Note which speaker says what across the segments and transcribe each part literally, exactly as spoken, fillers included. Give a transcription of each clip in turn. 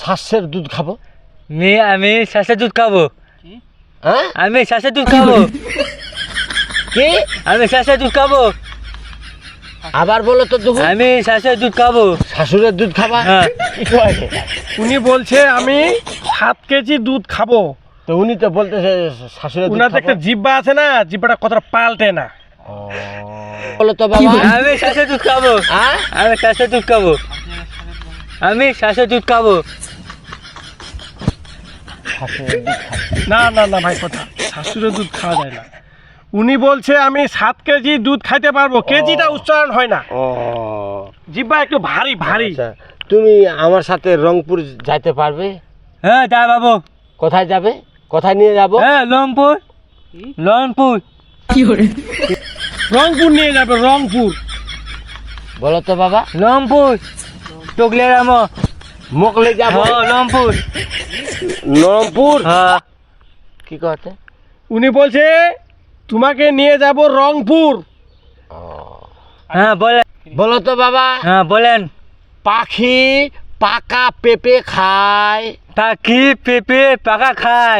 Speaker 1: শ্বাসের দুধ খাবো।
Speaker 2: মি আমি শ্বাসের দুধ খাবো।
Speaker 1: হ্যাঁ
Speaker 2: আমি শ্বাসের দুধ খাবো।
Speaker 1: কি
Speaker 2: আমি শ্বাসের দুধ খাবো।
Speaker 1: আবার বলো তো দুধ।
Speaker 2: আমি শ্বাসের দুধ খাবো।
Speaker 1: শাশুড়ের দুধ খাবা?
Speaker 2: হ্যাঁ।
Speaker 1: কি কয়?
Speaker 3: উনি বলছে আমি সাত কেজি দুধ খাবো।
Speaker 1: তো উনি তো বলতেছে শাশুড়ের দুধ
Speaker 3: উনার তো
Speaker 1: খাবো।
Speaker 3: একটা জিব্বা আছে না, জিব্বাটা কথাটা পাল্টে না।
Speaker 1: ও, বলো তো বাবা।
Speaker 2: আমি শ্বাসের দুধ খাবো।
Speaker 1: হ্যাঁ
Speaker 2: আমি শ্বাসের দুধ খাবো। আমি শ্বাসের দুধ খাবো।
Speaker 1: শাশুড়ের দুধ খাবো।
Speaker 3: না না না ভাই, কথা শাশুড়ের দুধ খাওয়া যায় না। উনি বলছে আমি সাত কেজি দুধ খাইতে পারবো। কেজিটা উচ্চারণ হয় না,
Speaker 1: ও
Speaker 3: জিব্বা একটু ভারী ভারী।
Speaker 1: আচ্ছা, তুমি আমার সাথে রংপুর যাইতে পারবে?
Speaker 2: হ্যাঁ যা বাবু।
Speaker 1: কোথায় যাবে? কোথায় নিয়ে যাব?
Speaker 2: হ্যাঁ লংপুর। লংপুর।
Speaker 3: রংপুর নিয়ে যাবে, রংপুর।
Speaker 1: বলো তো বাবা।
Speaker 2: লংপুর। টুকলে রামো।
Speaker 1: মোকলে যাব।
Speaker 2: হ্যাঁ লংপুর।
Speaker 1: রংপুর।
Speaker 2: হ্যাঁ।
Speaker 1: কি কথা?
Speaker 3: উনি বলছে তোমাকে নিয়ে যাব রংপুর।
Speaker 2: হ্যাঁ বলেন।
Speaker 1: বলো তো বাবা।
Speaker 2: হ্যাঁ বলেন।
Speaker 1: পাখি পাকা পেঁপে খায়।
Speaker 2: পাখি পেঁপে পাকা খায়।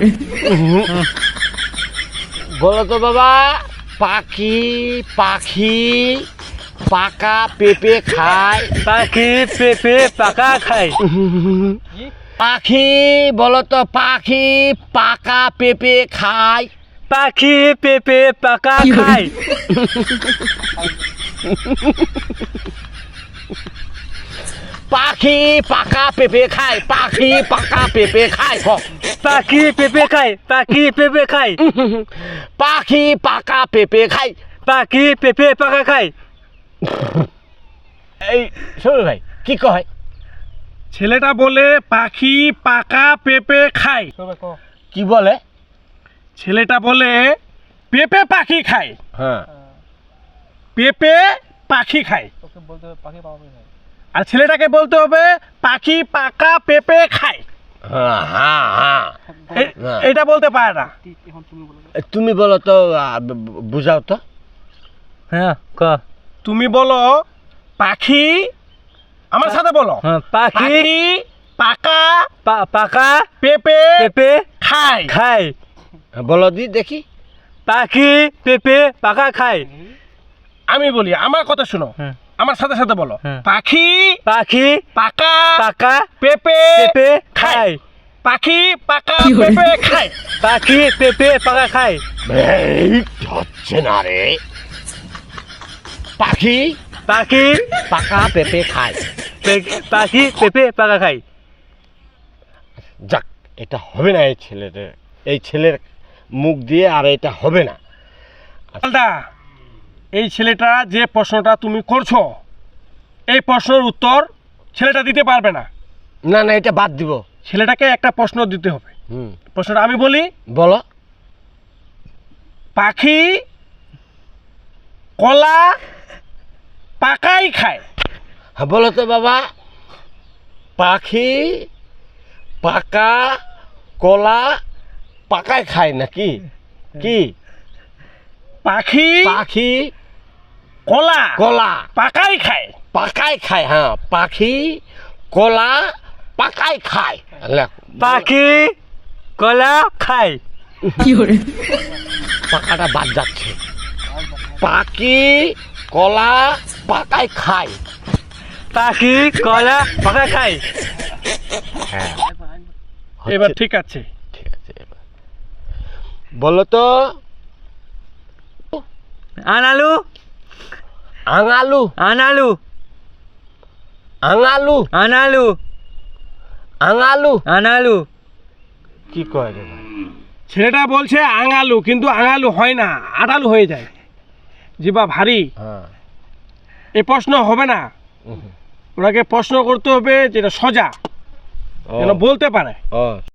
Speaker 1: বলো তো বাবা। পাখি পাখি পাকা পেঁপে খায়।
Speaker 2: পাখি পেঁপে পাকা খায়।
Speaker 1: পাখি বলো তো, পাখি পাকা পেঁপে খায়।
Speaker 2: পাখি পেঁপে পাকা খায়।
Speaker 1: পাখি পাকা পেঁপে খায়। পাখি পাকা পেঁপে খায়। ক।
Speaker 2: পাখি পেঁপে খায়। পাখি পেঁপে খায়।
Speaker 1: পাখি পাকা পেঁপে খায়।
Speaker 2: পাখি পেঁপে পাকা খায়।
Speaker 1: এই শোনো ভাই, কি কয়?
Speaker 3: ছেলেটা বলে পাখি পাকা পেঁপে খায়।
Speaker 1: কি বলে?
Speaker 3: ছেলেটা বলে পেঁপে পাখি খায়।
Speaker 1: হ্যাঁ।
Speaker 3: পেঁপে পাখি খায়। আর ছেলেটাকে বলতে হবে পাখি পাকা পেঁপে খায়।
Speaker 1: হ্যাঁ হ্যাঁ হ্যাঁ।
Speaker 3: এ- এটা বলতে পারে না।
Speaker 1: তুমি বলো তো, আহ, ব- ব- বুঝাও তো।
Speaker 2: হ্যাঁ ক।
Speaker 3: তুমি বলো পাখি, আমার সাথে বলো।
Speaker 2: হ্যাঁ পাখি
Speaker 3: পাখি পাকা
Speaker 2: পা- পাকা
Speaker 3: পেঁপে
Speaker 2: পেঁপে
Speaker 3: খায়।
Speaker 2: খায়।
Speaker 1: বলো দি দেখি।
Speaker 2: পাখি পেঁপে পাকা খায়।
Speaker 3: আমি বলি, আমার কথা শোনো,
Speaker 2: হ্যাঁ।
Speaker 3: আমার সাথে সাথে বলো।
Speaker 2: হ্যাঁ।
Speaker 3: পাখি
Speaker 2: পাখি
Speaker 3: পাকা
Speaker 2: পাকা
Speaker 3: পেঁপে
Speaker 2: পেঁপে
Speaker 3: খায়।
Speaker 2: খায়।
Speaker 3: পাখি পাকা পেঁপে খায়।
Speaker 2: পাখি পেঁপে পাকা খায়।
Speaker 1: এই হচ্ছে না রে। পাখি
Speaker 2: পাখি
Speaker 1: পাকা পেঁপে খায়।
Speaker 2: পে- পাখি পেঁপে পাকা খায়।
Speaker 1: যাক, এটা হবে না এই ছেলের এই ছেলের মুখ দিয়ে, আর এটা হবে না।
Speaker 3: আলদা, এই ছেলেটা যে প্রশ্নটা তুমি করছো, এই প্রশ্নের উত্তর ছেলেটা দিতে পারবে না।
Speaker 1: না না, এটা বাদ দিব।
Speaker 3: ছেলেটাকে একটা প্রশ্ন দিতে হবে।
Speaker 1: হুম,
Speaker 3: প্রশ্নটা আমি বলি,
Speaker 1: বলো।
Speaker 3: পাখি কলা পাকাই খায়।
Speaker 1: হ্যাঁ বলো তো বাবা। পাখি পাকা কলা পাকায় খায় নাকি? কি?
Speaker 3: পাখি
Speaker 1: পাখি
Speaker 3: কলা
Speaker 1: কলা
Speaker 3: পাকাই খায়।
Speaker 1: পাকায় খায়। হ্যাঁ, পাখি কলা পাকায় খায়। লেখ।
Speaker 2: পাখি কলা খায়।
Speaker 1: পাকাটা বাদ যাচ্ছে। পাখি কলা পাকায় খায়।
Speaker 2: পাখি কলা পাকা খায়।
Speaker 1: হ্যাঁ,
Speaker 3: এবার
Speaker 1: হচ্ছে।
Speaker 3: ঠিক আছে।
Speaker 1: ঠিক আছে, এবার বলো তো।
Speaker 2: আনালু
Speaker 1: আঙালু
Speaker 2: আনালু
Speaker 1: আঙালু
Speaker 2: আনালু
Speaker 1: আঙালু
Speaker 2: আনালু।
Speaker 1: কি কয় রে ভাই?
Speaker 3: ছেলেটা বলছে আঙালু, কিন্তু আঙালু হয় না, আটালু হয়ে যায়। জিবা ভারী।
Speaker 1: হ্যাঁ।
Speaker 3: এই প্রশ্ন হবে না।
Speaker 1: হুম।
Speaker 3: ওনাকে প্রশ্ন করতে হবে যেটা সোজা,
Speaker 1: ও,
Speaker 3: যেন বলতে পারে।
Speaker 1: ও